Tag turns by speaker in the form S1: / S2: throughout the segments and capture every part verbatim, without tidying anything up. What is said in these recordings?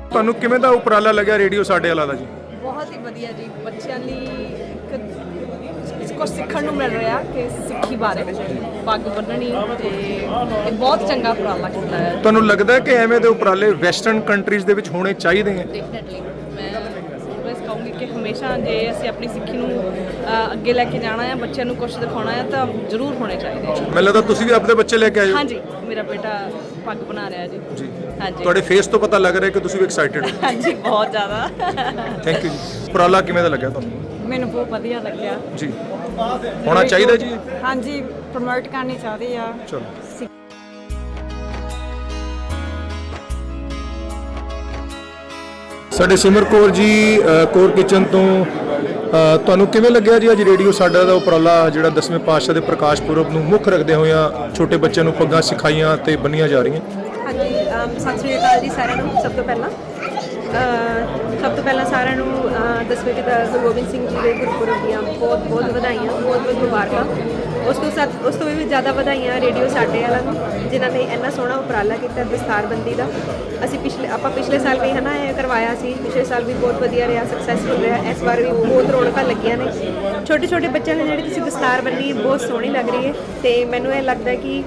S1: ਤੁਹਾਨੂੰ ਕਿਵੇਂ ਦਾ ਉਪਰਾਲਾ ਲੱਗਿਆ ਰੇਡੀਓ ਸਾਡੇ ਵਾਲਾ ਦਾ ਜੀ?
S2: ਬਹੁਤ ਹੀ ਵਧੀਆ ਜੀ। ਬੱਚਿਆਂ ਲਈ ਇੱਕ ਕੁਝ ਸਿੱਖਣ ਨੂੰ ਮਿਲ ਰਿਹਾ ਕਿ ਸਿੱਖੀ ਬਾਰੇ ਪੱਗ ਬੰਨਣੀ, ਤੇ ਇਹ ਬਹੁਤ ਚੰਗਾ ਉਪਰਾਲਾ ਕੀਤਾ ਹੈ।
S1: ਤੁਹਾਨੂੰ ਲੱਗਦਾ ਹੈ ਕਿ ਐਵੇਂ ਦੇ ਉਪਰਾਲੇ ਵੈਸਟਰਨ ਕੰਟਰੀਜ਼ ਦੇ ਵਿੱਚ ਹੋਣੇ ਚਾਹੀਦੇ ਹੈ?
S2: ਡੈਫੀਨਿਟਲੀ ਮੈਂ ਬਸ ਕਹੂੰਗੀ ਕਿ ਹਮੇਸ਼ਾ ਜੇ ਅਸੀਂ ਆਪਣੀ ਸਿੱਖੀ ਨੂੰ ਅੱਗੇ ਲੈ ਕੇ ਜਾਣਾ ਹੈ, ਬੱਚਿਆਂ ਨੂੰ ਕੁਝ ਦਿਖਾਉਣਾ ਹੈ, ਤਾਂ ਜ਼ਰੂਰ ਹੋਣੇ ਚਾਹੀਦੇ।
S1: ਮੈਨੂੰ ਲੱਗਦਾ ਤੁਸੀਂ ਵੀ ਆਪਣੇ ਬੱਚੇ ਲੈ ਕੇ ਆਏ ਹੋ?
S2: ਹਾਂਜੀ, ਮੇਰਾ ਬੇਟਾ ਪੱਗ ਬਣਾ ਰਿਹਾ ਜੀ।
S1: ਜੀ
S2: ਹਾਂਜੀ,
S1: ਤੁਹਾਡੇ ਫੇਸ ਤੋਂ ਪਤਾ ਲੱਗ ਰਿਹਾ ਕਿ ਤੁਸੀਂ ਵੀ ਐਕਸਾਈਟਿਡ ਹੋ।
S2: ਹਾਂਜੀ, ਬਹੁਤ ਜ਼ਿਆਦਾ।
S1: ਥੈਂਕ ਯੂ ਜੀ। ਉਪਰਾਲਾ ਕਿਵੇਂ ਦਾ ਲੱਗਿਆ ਤੁਹਾਨੂੰ?
S2: ਮੈਨੂੰ ਬਹੁਤ ਵਧੀਆ ਲੱਗਿਆ
S1: ਜੀ। ਹੋਣਾ ਚਾਹੀਦਾ ਜੀ?
S2: ਹਾਂਜੀ, ਪ੍ਰਮੋਟ ਕਰਨੀ ਚਾਹੀਦੀ ਆ।
S1: ਚਲੋ। ਸਾਡੇ ਸਿਮਰ ਕੌਰ ਜੀ ਕੌਰ ਕਿਚਨ ਤੋਂ ਤੁਹਾਨੂੰ ਕਿਵੇਂ ਲੱਗਿਆ ਜੀ ਅੱਜ ਰੇਡੀਓ ਸਾਡਾ ਦਾ ਉਪਰਾਲਾ ਜਿਹੜਾ ਦਸਵੇਂ ਪਾਤਸ਼ਾਹ ਦੇ ਪ੍ਰਕਾਸ਼ ਪੁਰਬ ਨੂੰ ਮੁੱਖ ਰੱਖਦੇ ਹੋਇਆ ਛੋਟੇ ਬੱਚਿਆਂ ਨੂੰ ਪੱਗਾਂ ਸਿਖਾਈਆਂ ਤੇ ਬੰਨੀਆਂ ਜਾ ਰਹੀਆਂ?
S3: ਹਾਂਜੀ, ਸਤਿ ਸ਼੍ਰੀ ਅਕਾਲ ਜੀ ਸਾਰਿਆਂ ਨੂੰ। ਸਭ ਤੋਂ ਪਹਿਲਾਂ ਸਭ ਤੋਂ ਪਹਿਲਾਂ ਸਾਰਿਆਂ ਨੂੰ ਦਸਵੇਂ ਪਿਤਾ ਗੁਰੂ ਗੋਬਿੰਦ ਸਿੰਘ ਜੀ ਦੇ ਗੁਰਪੁਰਬ ਦੀਆਂ ਬਹੁਤ ਬਹੁਤ ਵਧਾਈਆਂ, ਬਹੁਤ ਬਹੁਤ ਮੁਬਾਰਕਾਂ। ਉਸ ਤੋਂ ਸੱਤ ਉਸ ਤੋਂ ਵੀ ਜ਼ਿਆਦਾ ਵਧਾਈਆਂ ਰੇਡੀਓ ਸਾਡੇ ਵਾਲਾ ਨੂੰ, ਜਿਨ੍ਹਾਂ ਨੇ ਇੰਨਾ ਸੋਹਣਾ ਉਪਰਾਲਾ ਕੀਤਾ ਦਸਤਾਰਬੰਦੀ ਦਾ। ਅਸੀਂ ਪਿਛਲੇ ਆਪਾਂ ਪਿਛਲੇ ਸਾਲ ਵੀ ਹੈ ਨਾ ਇਹ ਕਰਵਾਇਆ ਸੀ, ਪਿਛਲੇ ਸਾਲ ਵੀ ਬਹੁਤ ਵਧੀਆ ਰਿਹਾ, ਸਕਸੈਸਫੁਲ ਰਿਹਾ। ਇਸ ਵਾਰ ਵੀ ਬਹੁਤ ਰੌਣਕਾਂ ਲੱਗੀਆਂ ਨੇ। ਛੋਟੇ ਛੋਟੇ ਬੱਚਿਆਂ ਨੇ ਜਿਹੜੀ ਤੁਸੀਂ ਦਸਤਾਰ ਬੰਨੀ ਬਹੁਤ ਸੋਹਣੀ ਲੱਗ ਰਹੀ ਹੈ, ਅਤੇ ਮੈਨੂੰ ਇਹ ਲੱਗਦਾ ਕਿ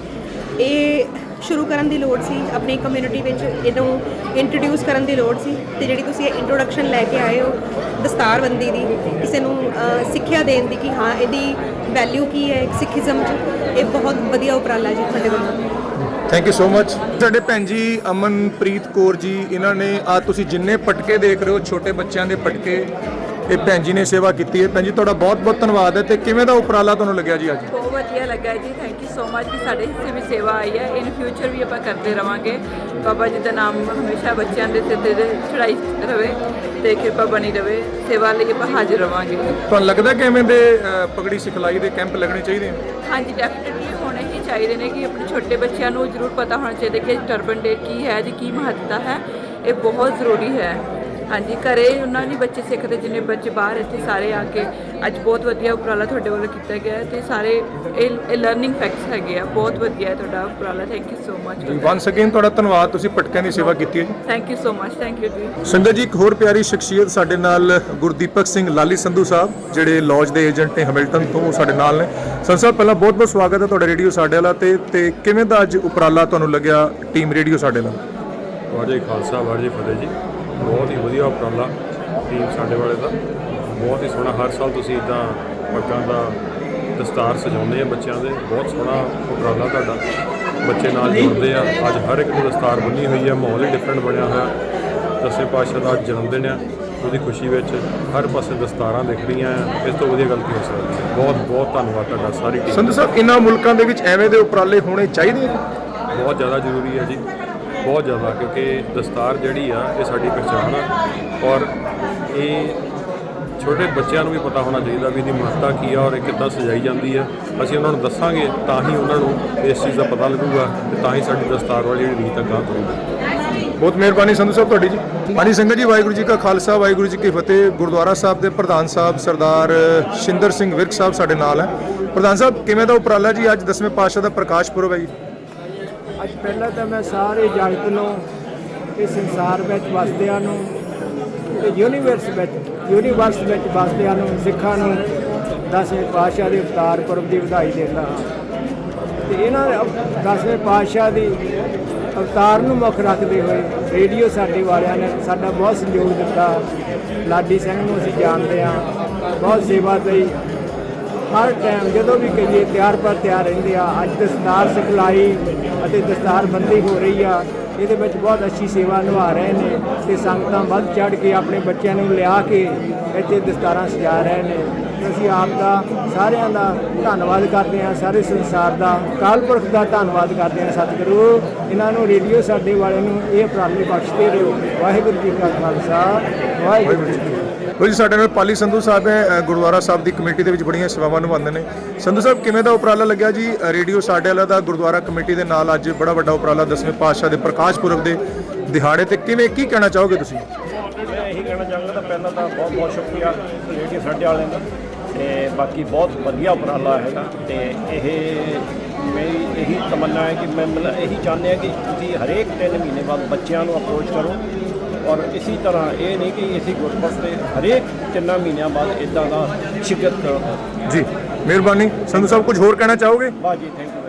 S3: ਇਹ ਸ਼ੁਰੂ ਕਰਨ ਦੀ ਲੋੜ ਸੀ ਆਪਣੀ ਕਮਿਊਨਿਟੀ ਵਿੱਚ, ਇਹਨੂੰ ਇੰਟਰੋਡਿਊਸ ਕਰਨ ਦੀ ਲੋੜ ਸੀ। ਅਤੇ ਜਿਹੜੀ ਤੁਸੀਂ ਇਹ ਇੰਟਰੋਡਕਸ਼ਨ ਲੈ ਕੇ ਆਏ ਹੋ ਦਸਤਾਰਬੰਦੀ ਦੀ, ਕਿਸੇ ਨੂੰ ਸਿੱਖਿਆ ਦੇਣ ਦੀ ਕਿ ਹਾਂ ਇਹਦੀ ਵੈਲਿਊ ਕੀ ਹੈ ਸਿੱਖੀਜ਼ਮ 'ਚ, ਇਹ ਬਹੁਤ ਵਧੀਆ ਉਪਰਾਲਾ ਜੀ ਤੁਹਾਡੇ ਵੱਲੋਂ।
S1: Thank you so much. ਸਾਡੇ ਭੈਣ ਜੀ ਅਮਨਪ੍ਰੀਤ ਕੌਰ ਜੀ, ਇਹਨਾਂ ਨੇ ਆ ਤੁਸੀਂ ਜਿੰਨੇ ਪਟਕੇ ਦੇਖ ਰਹੇ ਹੋ ਛੋਟੇ ਬੱਚਿਆਂ ਦੇ ਪਟਕੇ, ਇਹ ਭੈਣ ਜੀ ਨੇ ਸੇਵਾ ਕੀਤੀ ਹੈ। ਭੈਣ ਜੀ ਤੁਹਾਡਾ ਬਹੁਤ ਬਹੁਤ ਧੰਨਵਾਦ ਹੈ। ਤੇ ਕਿਵੇਂ ਦਾ ਉਪਰਾਲਾ ਤੁਹਾਨੂੰ ਲੱਗਿਆ ਜੀ ਅੱਜ?
S4: ਬਹੁਤ ਵਧੀਆ ਲੱਗਾ ਜੀ, ਥੈਂਕ ਯੂ ਸੋ ਮਚ ਕਿ ਸਾਡੇ ਹਿੱਸੇ ਵੀ ਸੇਵਾ ਆਈ ਹੈ। ਇਨ ਫਿਊਚਰ ਵੀ ਆਪਾਂ ਕਰਦੇ ਰਵਾਂਗੇ। ਬਾਬਾ ਜੀ ਦਾ ਨਾਮ ਹਮੇਸ਼ਾ ਬੱਚਿਆਂ ਦੇ ਸਿਰ ਤੇ ਚੜਾਈ ਰਵੇ ਤੇ ਕਿਰਪਾ ਬਣੀ ਰਵੇ। ਸੇਵਾ ਲਈ ਆਪਾਂ ਹਾਜ਼ਰ ਰਵਾਂਗੇ।
S1: ਤੁਹਾਨੂੰ ਲੱਗਦਾ ਕਿ ਐਵੇਂ ਦੇ ਪਗੜੀ ਸਿਖਲਾਈ ਦੇ ਕੈਂਪ ਲੱਗਣੇ ਚਾਹੀਦੇ ਹਨ?
S4: ਹਾਂਜੀ, ਡੈਫੀਨਿਟਲੀ ਹੋਣੇ ਹੀ ਚਾਹੀਦੇ ਨੇ ਕਿ ਆਪਣੇ ਛੋਟੇ ਬੱਚਿਆਂ ਨੂੰ ਜ਼ਰੂਰ ਪਤਾ ਹੋਣਾ ਚਾਹੀਦਾ ਕਿ ਟਰਬਨ ਡੇ ਕੀ ਹੈ ਜੀ, ਕੀ ਮਹੱਤਤਾ ਹੈ। ਇਹ ਬਹੁਤ ਜ਼ਰੂਰੀ ਹੈ। ਹਾਂਜੀ, ਘਰੇ ਉਹਨਾਂ ਨੇ ਬੱਚੇ ਸਿੱਖਦੇ, ਜਿੰਨੇ ਬੱਚੇ ਬਾਹਰ ਇੱਥੇ ਸਾਰੇ ਆ ਕੇ ਅੱਜ ਬਹੁਤ ਵਧੀਆ ਉਪਰਾਲਾ ਤੁਹਾਡੇ ਵੱਲੋਂ ਕੀਤਾ ਗਿਆ ਹੈ। ਅਤੇ ਸਾਰੇ ਇਹ ਇਹ ਲਰਨਿੰਗ ਫੈਕਟਸ ਹੈਗੇ ਆ। ਬਹੁਤ ਵਧੀਆ ਹੈ ਤੁਹਾਡਾ ਉਪਰਾਲਾ, thank you so much.
S1: Once again ਤੁਹਾਡਾ ਧੰਨਵਾਦ, ਤੁਸੀਂ ਪਟਕਿਆਂ ਦੀ ਸੇਵਾ ਕੀਤੀ ਹੈ ਜੀ।
S4: Thank you so much, thank you ਜੀ।
S1: ਸੰਗਤ ਜੀ, ਇੱਕ ਹੋਰ ਪਿਆਰੀ ਸ਼ਖਸੀਅਤ ਸਾਡੇ ਨਾਲ ਗੁਰਦੀਪਕ ਸਿੰਘ ਲਾਲੀ ਸੰਧੂ ਸਾਹਿਬ, ਜਿਹੜੇ ਲੌਜ ਦੇ ਏਜੰਟ ਨੇ ਹੈਮਿਲਟਨ ਤੋਂ, ਸਾਡੇ ਨਾਲ ਨੇ। ਸੰਧੂ ਸਾਹਿਬ, ਪਹਿਲਾਂ ਬਹੁਤ ਬਹੁਤ ਸਵਾਗਤ ਹੈ ਤੁਹਾਡਾ ਰੇਡੀਓ ਸਾਡੇ ਵਾਲਾ ਤੇ ਤੇ ਕਿਵੇਂ ਦਾ ਅੱਜ ਉਪਰਾਲਾ ਤੁਹਾਨੂੰ ਲੱਗਿਆ ਟੀਮ ਰੇਡੀਓ ਸਾਡੇ ਨਾਲ?
S5: ਵਾਹਿਗੁਰੂ ਜੀ ਖਾਲਸਾ, ਵਾਹਿਗੁਰੂ ਜੀ ਫਤਿਹ ਜੀ। ਬਹੁਤ ਹੀ ਵਧੀਆ ਉਪਰਾਲਾ ਟੀਮ ਸਾਡੇ ਵਾਲੇ ਦਾ, ਬਹੁਤ ਹੀ ਸੋਹਣਾ। ਹਰ ਸਾਲ ਤੁਸੀਂ ਇੱਦਾਂ ਪੱਗਾਂ ਦਾ ਦਸਤਾਰ ਸਜਾਉਂਦੇ ਆ ਬੱਚਿਆਂ ਦੇ, ਬਹੁਤ ਸੋਹਣਾ ਉਪਰਾਲਾ ਤੁਹਾਡਾ। ਬੱਚੇ ਨਾਲ ਜੁੜਦੇ ਆ। ਅੱਜ ਹਰ ਇੱਕ ਨੂੰ ਦਸਤਾਰ ਬੰਨੀ ਹੋਈ ਹੈ, ਮਾਹੌਲ ਹੀ ਡਿਫਰੈਂਟ ਬਣਿਆ ਹੋਇਆ। ਦਸਵੇਂ ਪਾਤਸ਼ਾਹ ਦਾ ਜਨਮ ਦਿਨ ਆ, ਉਹਦੀ ਖੁਸ਼ੀ ਵਿੱਚ ਹਰ ਪਾਸੇ ਦਸਤਾਰਾਂ ਦਿਖ ਰਹੀਆਂ ਆ। ਇਸ ਤੋਂ ਵਧੀਆ ਗੱਲ ਕੀ ਹੋ ਸਕਦੀ ਹੈ। ਬਹੁਤ ਬਹੁਤ ਧੰਨਵਾਦ ਤੁਹਾਡਾ ਸਾਰੀ ਟੀਮ।
S1: ਸੰਧੂ ਸਾਹਿਬ, ਇਹਨਾਂ ਮੁਲਕਾਂ ਦੇ ਵਿੱਚ ਐਵੇਂ ਦੇ ਉਪਰਾਲੇ ਹੋਣੇ ਚਾਹੀਦੇ ਆ?
S5: ਬਹੁਤ ਜ਼ਿਆਦਾ ਜ਼ਰੂਰੀ ਹੈ ਜੀ, ਬਹੁਤ ਜ਼ਿਆਦਾ, ਕਿਉਂਕਿ ਦਸਤਾਰ ਜਿਹੜੀ ਆ ਇਹ ਸਾਡੀ ਪਹਿਚਾਣ ਆ। ਔਰ ਇਹ ਛੋਟੇ ਬੱਚਿਆਂ ਨੂੰ ਵੀ ਪਤਾ ਹੋਣਾ ਚਾਹੀਦਾ ਵੀ ਇਹਦੀ ਮਹੱਤਤਾ ਕੀ ਆ ਔਰ ਇਹ ਕਿੱਦਾਂ ਸਜਾਈ ਜਾਂਦੀ ਆ। ਅਸੀਂ ਉਹਨਾਂ ਨੂੰ ਦੱਸਾਂਗੇ ਤਾਂ ਹੀ ਉਹਨਾਂ ਨੂੰ ਇਸ ਚੀਜ਼ ਦਾ ਪਤਾ ਲੱਗੂਗਾ ਤੇ ਤਾਂ ਹੀ ਸਾਡੀ ਦਸਤਾਰ ਵਾਲੀ ਜਿਹੜੀ ਰੀਤ ਅਗਾਂਹ ਕਰੂਗੀ।
S1: ਬਹੁਤ ਮਿਹਰਬਾਨੀ ਸੰਧੂ ਸਾਹਿਬ ਤੁਹਾਡੀ ਜੀ। ਹਾਂਜੀ ਸੰਗਤ ਜੀ, ਵਾਹਿਗੁਰੂ ਜੀ ਕਾ ਖਾਲਸਾ, ਵਾਹਿਗੁਰੂ ਜੀ ਕੀ ਫਤਿਹ। ਗੁਰਦੁਆਰਾ ਸਾਹਿਬ ਦੇ ਪ੍ਰਧਾਨ ਸਾਹਿਬ ਸਰਦਾਰ ਸ਼ਿੰਦਰ ਸਿੰਘ ਵਿਰਕ ਸਾਹਿਬ ਸਾਡੇ ਨਾਲ ਹੈ। ਪ੍ਰਧਾਨ ਸਾਹਿਬ, ਕਿਵੇਂ ਦਾ ਉਪਰਾਲਾ ਜੀ ਅੱਜ ਦਸਵੇਂ ਪਾਤਸ਼ਾਹ ਦਾ ਪ੍ਰਕਾਸ਼ ਪੁਰਬ ਹੈ ਜੀ?
S6: ਅੱਜ ਪਹਿਲਾਂ ਤਾਂ ਮੈਂ ਸਾਰੇ ਜਗਤ ਨੂੰ, ਇਸ ਸੰਸਾਰ ਵਿੱਚ ਵਸਦਿਆਂ ਨੂੰ ਤੇ ਯੂਨੀਵਰਸ ਵਿੱਚ ਯੂਨੀਵਰਸ ਵਿੱਚ ਵਸਦਿਆਂ ਨੂੰ, ਸਿੱਖਾਂ ਨੂੰ ਦਸਵੇਂ ਪਾਤਸ਼ਾਹ ਦੇ ਅਵਤਾਰ ਪੁਰਬ ਦੀ ਵਧਾਈ ਦਿੰਦਾ ਹਾਂ। ਤੇ ਇਹਨਾਂ ਦਸਵੇਂ ਪਾਤਸ਼ਾਹ ਦੀ ਅਵਤਾਰ ਨੂੰ ਮੁੱਖ ਰੱਖਦੇ ਹੋਏ ਰੇਡੀਓ ਸਾਡੇ ਵਾਲਿਆਂ ਨੇ ਸਾਡਾ ਬਹੁਤ ਸਹਿਯੋਗ ਦਿੱਤਾ। ਲਾਡੀ ਸਿੰਘ ਨੂੰ ਅਸੀਂ ਜਾਣਦੇ ਹਾਂ, ਬਹੁਤ ਸੇਵਾ ਲਈ ਹਰ ਟਾਈਮ ਜਦੋਂ ਵੀ ਕਹੀਏ ਤਿਆਰ ਪਰ ਤਿਆਰ ਰਹਿੰਦੇ ਆ। ਅੱਜ ਦਸਤਾਰ ਸਿਖਲਾਈ ਅਤੇ ਦਸਤਾਰਬੰਦੀ ਹੋ ਰਹੀ ਆ, ਇਹਦੇ ਵਿੱਚ ਬਹੁਤ ਅੱਛੀ ਸੇਵਾ ਨਿਭਾ ਰਹੇ ਨੇ ਅਤੇ ਸੰਗਤਾਂ ਵੱਧ ਚੜ੍ਹ ਕੇ ਆਪਣੇ ਬੱਚਿਆਂ ਨੂੰ ਲਿਆ ਕੇ ਇੱਥੇ ਦਸਤਾਰਾਂ ਸਜਾ ਰਹੇ ਨੇ। ਅਸੀਂ ਆਪ ਦਾ ਸਾਰਿਆਂ ਦਾ ਧੰਨਵਾਦ ਕਰਦੇ ਹਾਂ, ਸਾਰੇ ਸੰਸਾਰ ਦਾ, ਅਕਾਲ ਪੁਰਖ ਦਾ ਧੰਨਵਾਦ ਕਰਦੇ ਹਾਂ। ਸਤਿਗੁਰੂ ਇਹਨਾਂ ਨੂੰ, ਰੇਡੀਓ ਸਾਡੇ ਵਾਲੇ ਨੂੰ ਇਹ ਉਪਰਾਲੇ ਬਖਸ਼ਦੇ ਰਹੋ। ਵਾਹਿਗੁਰੂ ਜੀ ਕਾ ਖਾਲਸਾ, ਵਾਹਿਗੁਰੂ ਜੀ ਕੀ ਫਤਿਹ।
S1: ਜੀ ਸਾਡੇ ਨਾਲ ਪਾਲੀ ਸੰਧੂ ਸਾਹਿਬ ਹੈ, ਗੁਰਦੁਆਰਾ ਸਾਹਿਬ ਦੀ ਕਮੇਟੀ ਦੇ ਵਿੱਚ ਬੜੀਆਂ ਸੇਵਾਵਾਂ ਨਿਭਾਉਂਦੇ ਨੇ। ਸੰਧੂ ਸਾਹਿਬ, ਕਿਵੇਂ ਦਾ ਉਪਰਾਲਾ ਲੱਗਿਆ ਜੀ ਰੇਡੀਓ ਸਾਡੇ ਵਾਲਾ ਦਾ ਗੁਰਦੁਆਰਾ ਕਮੇਟੀ ਦੇ ਨਾਲ ਅੱਜ ਬੜਾ ਵੱਡਾ ਉਪਰਾਲਾ ਦਸਵੇਂ ਪਾਤਸ਼ਾਹ ਦੇ ਪ੍ਰਕਾਸ਼ ਪੁਰਬ ਦੇ ਦਿਹਾੜੇ ਤੇ? ਕਿਵੇਂ ਕੀ ਕਹਿਣਾ ਚਾਹੋਗੇ ਤੁਸੀਂ?
S7: ਮੈਂ ਇਹੀ ਕਹਿਣਾ ਚਾਹਾਂਗਾ, ਤਾਂ ਪਹਿਲਾਂ ਤਾਂ ਬਹੁਤ ਬਹੁਤ ਸ਼ੁਕਰੀਆ ਰੇਡੀਓ ਸਾਡੇ ਵਾਲਿਆਂ ਦਾ, ਅਤੇ ਬਾਕੀ ਬਹੁਤ ਵਧੀਆ ਉਪਰਾਲਾ ਹੈਗਾ। ਅਤੇ ਇਹ ਮੇਰੀ ਇਹੀ ਤਮੰਨਾ ਹੈ ਕਿ ਮੈਂ ਮਤਲਬ ਇਹੀ ਚਾਹੁੰਦੇ ਹਾਂ ਕਿ ਤੁਸੀਂ ਹਰੇਕ ਤਿੰਨ ਮਹੀਨੇ ਬਾਅਦ ਬੱਚਿਆਂ ਨੂੰ ਅਪਰੋਚ ਕਰੋ ਔਰ ਇਸੇ ਤਰ੍ਹਾਂ ਇਹ ਨਹੀਂ ਕਿ ਅਸੀਂ ਗੁਰਪੁਰਬ ਤੇ ਹਰੇਕ ਤਿੰਨਾਂ ਮਹੀਨਿਆਂ ਬਾਅਦ ਇਦਾਂ ਦਾ ਸ਼ਿਕਤ ਕਰੋ।
S1: ਜੀ ਮਿਹਰਬਾਨੀ। ਸੰਧੂ ਸਾਹਿਬ ਕੁਝ ਹੋਰ ਕਹਿਣਾ ਚਾਹੋਗੇ?
S7: ਬਾਜੀ ਥੈਂਕ ਯੂ।